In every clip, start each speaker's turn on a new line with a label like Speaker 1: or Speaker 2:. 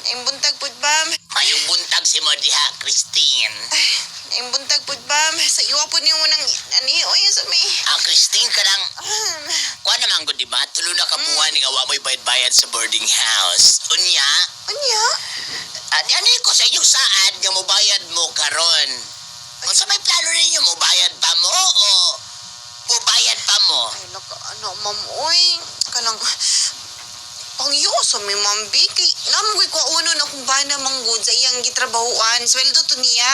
Speaker 1: Ang buntag pud bam.
Speaker 2: Mayong buntag si mo diha, Christine.
Speaker 1: Ang buntag pud bam. Sa iwa po niyo mo nang oy sa may.
Speaker 2: Christine ka lang. Kuha naman ko, di ba? Tulo na kabuhan ni awa mo'y bayad-bayad sa boarding house. Unya?
Speaker 1: Unya?
Speaker 2: Ano ko sa inyong saad nga mobayad mo karon? Kung sa may plano ninyo, mobayad pa mo o mobayad pa mo?
Speaker 1: Ay naka ma'am oy. Kanang pangyo sa may mambi kay naman ko uno na kung ba na manggod sa iyang gitrabahuan. Sweldo to niya.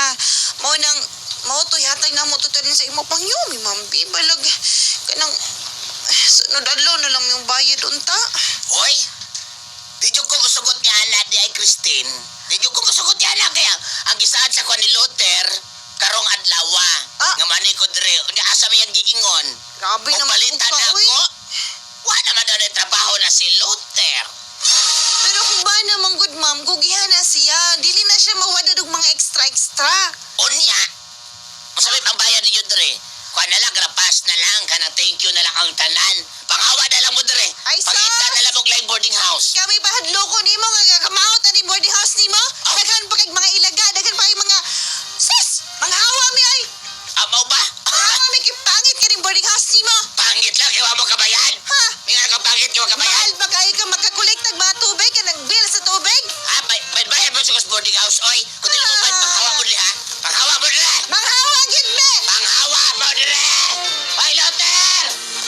Speaker 1: Mao to yatay na mo tutunin sa imo pangyo mi mambi balag kanang sunod adlaw na lang yung bayad unta.
Speaker 2: Hoy, di ko musugot nga na di ay Christine. Di ko musugot nga na kaya ang gisaad sa kwan ni Luther karong adlawa. Nga manay ko dire, asa may ang giingon.
Speaker 1: Grabe
Speaker 2: Kung
Speaker 1: naman
Speaker 2: balita
Speaker 1: ka,
Speaker 2: na
Speaker 1: uy.
Speaker 2: ako, wala naman daw na trabaho na si Luther.
Speaker 1: Pero kung ba naman good ma'am, gugihan na siya. Dili na siya mawadad og mga extra.
Speaker 2: Unya, masabi pambayad ninyo dire. Kuha na lang, grapas na lang, kanang thank you na lang ang tanan. Pangawa na lang mo dire.
Speaker 1: Ay, sus!
Speaker 2: Pangita na lang mong live boarding house.
Speaker 1: Kami pa hadloko nimo nga kamahot ani boarding house nimo. Daghan pa kay mga ilaga, daghan pa kay mga sus, mga hawa mi ay.
Speaker 2: Amaw ba?
Speaker 1: Hawa mi kay pangit ka ning boarding house nimo.
Speaker 2: Pangit lang, iwa mo kabayan.
Speaker 1: Ha?
Speaker 2: May nga kang pangit yung kabayan.
Speaker 1: Mahal ba kayo ka magkakolekt ng mga tubig ka nag-bill sa tubig?
Speaker 2: Bayad mo sa boarding house, oy. Kung di mo bayad, panghawa mo dire, ha? Panghawa mo dire.
Speaker 1: Mga hawa gid me.
Speaker 2: Panghawa mo dire. Hoy, Luther!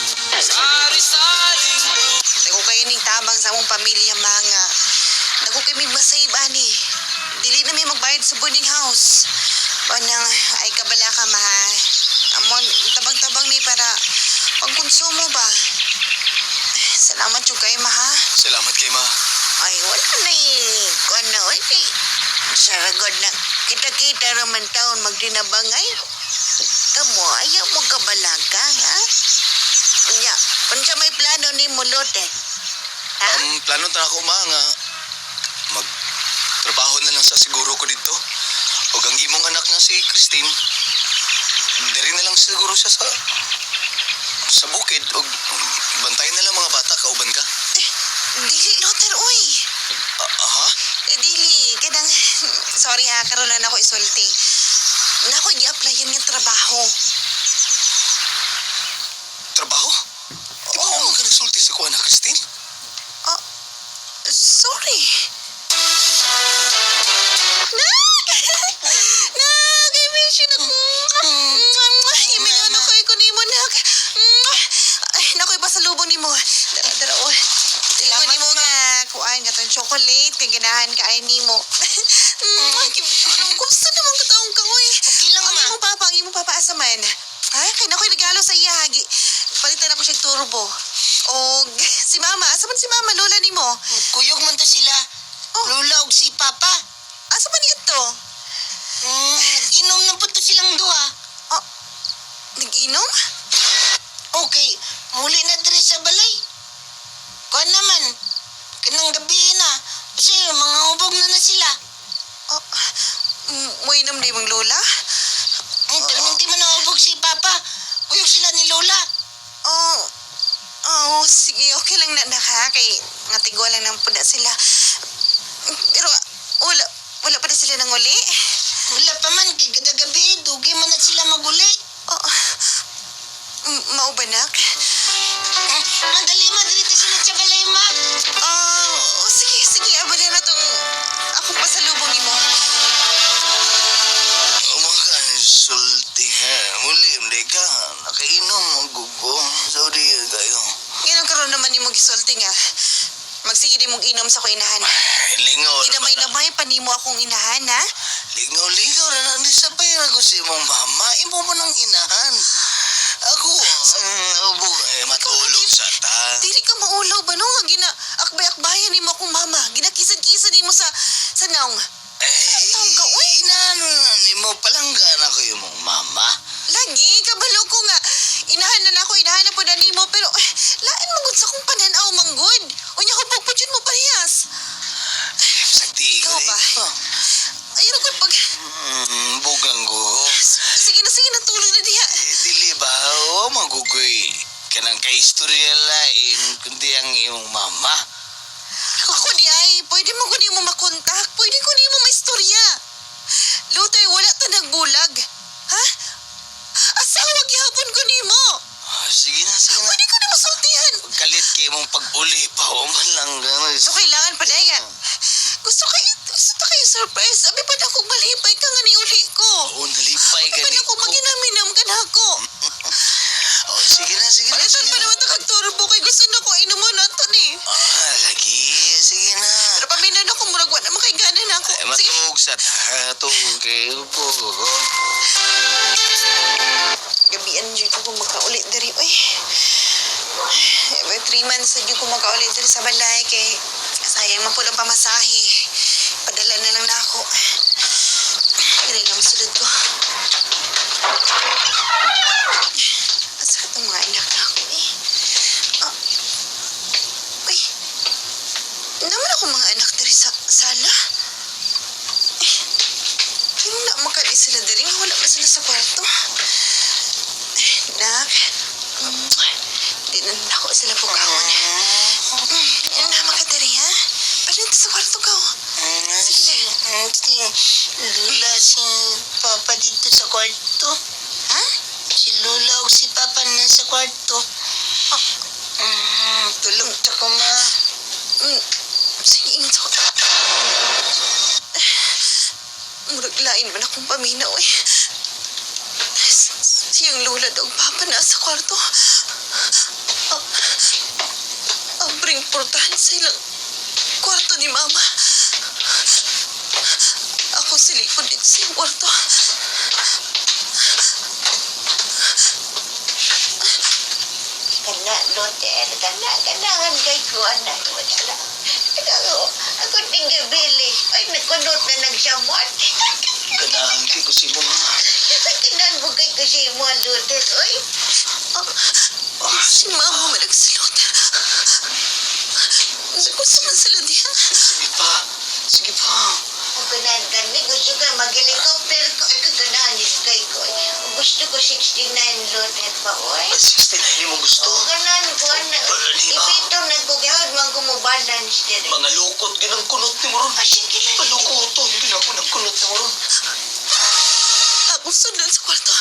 Speaker 3: Sari-saring
Speaker 1: Dako kayo ning tabang sa among pamilya mga. Dako kay mig masave ani. Dili na may magbayad sa boarding house. Banang ay kabala ka ma. Amon tabang-tabang ni para pagkonsumo ba. Salamat jud kay ma ha.
Speaker 3: Salamat kay ma.
Speaker 1: Ay wala na ano oy. Saragod na kita-kita raman taon magdinabangay. Kamo ayaw mo kabalaga ha. Nya, unsa may plano nimo Lote? Ha?
Speaker 3: Plano ta ako ma nga magtrabaho na lang sa siguro ko dito. Ug ang imong anak nga si Christine, diri na lang siguro siya sa bukid ug bantayan na lang mga bata kauban ka.
Speaker 1: Dili Loter oy.
Speaker 3: Ha?
Speaker 1: Dili kadang sorry ha karon na ako isulti. Nako gi-applyan nga trabaho.
Speaker 3: Trabaho? Di ba ako magkanasulti sa kuha na Christine?
Speaker 1: Oh, sorry. Nak, i-mention ako. Imingon ako ko nimo nak. Ay, nakoy pasalubong nimo. Dara oh. Salamat nimo nga kuan nga tong chocolate kay ganahan ka ay nimo. Anong gusto naman ka taong ka oy.
Speaker 2: Okay lang, ma.
Speaker 1: Ang imo papa asa man. Ha, kay nakoy regalo sa iya hagi. Palitan ako siya turbo. O si mama, asa man si mama lola nimo?
Speaker 2: Kuyog man ta sila. Lola ug si Papa.
Speaker 1: Asa man ito?
Speaker 2: Inom na po to silang duha.
Speaker 1: Oh, nag-inom?
Speaker 2: Okay, muli na diri sa balay. Kuha naman. Kanang gabi na. Kasi mga ubog na sila.
Speaker 1: Oh, mo inom di mong lola?
Speaker 2: Pero hindi man naubog si Papa. Kuyog sila ni Lola.
Speaker 1: Sige, okay lang na naka. Kay ngatigo lang ng puna sila. Pero, wala pa na sila nang uli?
Speaker 2: Wala pa man, kay kada gabi, dugi man na sila maguli.
Speaker 1: Oh, mao ba nak?
Speaker 2: Madali madrito sila sa balay, ma.
Speaker 1: Sige, abali na tong ako pasalubong nimo.
Speaker 3: Mga kansulti ha. Muli, hindi ka. Nakainom ang gugo. Sorry kayo.
Speaker 1: Ngayon karon naman nimo gisulti nga. Magsige di mong inom sa ko inahan.
Speaker 3: Lingaw
Speaker 1: Kinamay-lamay pa nimo akong inahan, ha?
Speaker 3: Lingaw na nandi sa pera ko si mong mama. Imo mo nang inahan. Ako, ubog matulog sa ta.
Speaker 1: Dili ka maulaw ba no? Akbay-akbayan nimo akong mama. Ginakisan-kisan nimo sa naong. Taong ka, uy.
Speaker 3: Inahan mo palanggan ako yung mong mama.
Speaker 1: Lagi, kabalo ko nga. Inahan na po na nimo. Pero, lain manggod sa kong pananaw manggod. Unya ko pagpudyon mo parehas.
Speaker 3: Sakti
Speaker 1: Ikaw ba? Ayaw ko pag...
Speaker 3: Bugang ko.
Speaker 1: Sige na, tulog na diha.
Speaker 3: Dili ba? O magugoy. Kanang kaistorya lain kundi ang iyong mama.
Speaker 1: Ako di ay, pwede mo ko di mo makontak. surprise. Abi pa na akong malipay ka nga ni uli ko.
Speaker 3: Oo, nalipay
Speaker 1: Abi pa
Speaker 3: gani
Speaker 1: na akong
Speaker 3: ko.
Speaker 1: maginaminam ka na ako.
Speaker 3: Oh, sige na, sige na.
Speaker 1: Palitan
Speaker 3: Sige
Speaker 1: pa
Speaker 3: na.
Speaker 1: naman ito kagturbo kay gusto na ko inuman na ito ni.
Speaker 3: Lagi. Sige na.
Speaker 1: Pero paminan ako, murag wala makaiganan na ako.
Speaker 3: Ay,
Speaker 1: Sige.
Speaker 3: matug sa tatong kayo po.
Speaker 1: Gabian dyan ko makaulit dari. Uy. 3 months na dyan ko makaulit dari sa balay kay sayang man po lang pamasahe. Padala na lang na ako. Kaya lang masulod ko. Asa ka mga anak na ako eh. Ah. Uy. Naman ako mga anak dari sa sala. Eh. Yung na makali sila dari. Wala ba sila sa kwarto? Nak. Di na ako sila pugawon. Yan na makadari ha. Palit sa kwarto ka. Sige na.
Speaker 2: Lula si Papa dito sa kwarto.
Speaker 1: Ha?
Speaker 2: Si Lula o si Papa na sa kwarto. Tulog ta ko, ma.
Speaker 1: Sige, ingat ako. Murag lain man akong paminaw eh. Siyang lula daw papa na sa kwarto. Abring portahan sa ilang kwarto ni mama. Ako silipon dito sa iyong kwarto.
Speaker 2: Kana, Loter. Kanangan kay ko, anak. Wala. Ako tinggal bili. Ay, nakunot na nagsamot.
Speaker 3: Ganahan kay ko si mo, ha?
Speaker 2: Kinan mo kay kasi mo, Loter. Oy.
Speaker 1: Si mama man nagsalot. Gusto man sila diyan.
Speaker 3: Sige pa. Sige pa.
Speaker 2: Ang ganahan kami, gusto ka mag-helicopter ko. Ay, kaganahan ni kay ko. Gusto ko 69 Loter pa, oy.
Speaker 3: 69 mo gusto.
Speaker 2: Oo, ganahan ko, anak.
Speaker 3: Wala ni ba?
Speaker 2: Ipito nagkugahod, man ko mo balance din.
Speaker 3: Mga lukot, ginang kunot ni mo ron.
Speaker 2: Sige lang.
Speaker 3: Palukoto, hindi na ako nagkunot ni mo ron.
Speaker 1: Ako sundan sa kwarto.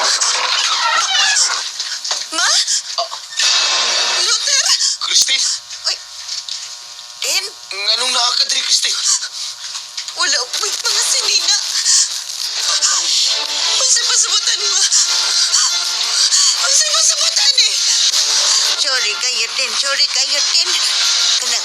Speaker 1: Ma? Luther?
Speaker 3: Christine,
Speaker 1: Ay. En?
Speaker 3: nganong naa ka diri, Christine?
Speaker 1: Wala may mga sinina. Unsay pasabutan mo? Unsay pasabutan eh?
Speaker 2: Sorry kayo din. Kanang,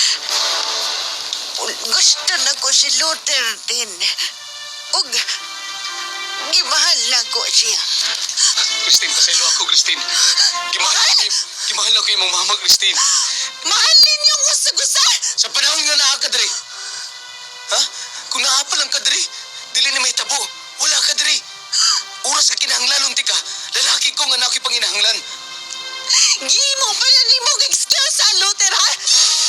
Speaker 2: gusto na ko si Luther din. Og, gimahal na ko siya.
Speaker 3: Christine, pasaylo ako, Christine. Gimahal ako yung mama, Christine.
Speaker 1: Mahalin yung gusa-gusa!
Speaker 3: Sa panahon nga naa ka diri. Ha? Kung naa pa lang ka diri, dili na may tabo. Wala ka diri. Oras ka kinahanglan unti ka. Lalaki ko nga na ako'y panginahanglan.
Speaker 1: Gimo pala ni mo excuse sa Luther ha?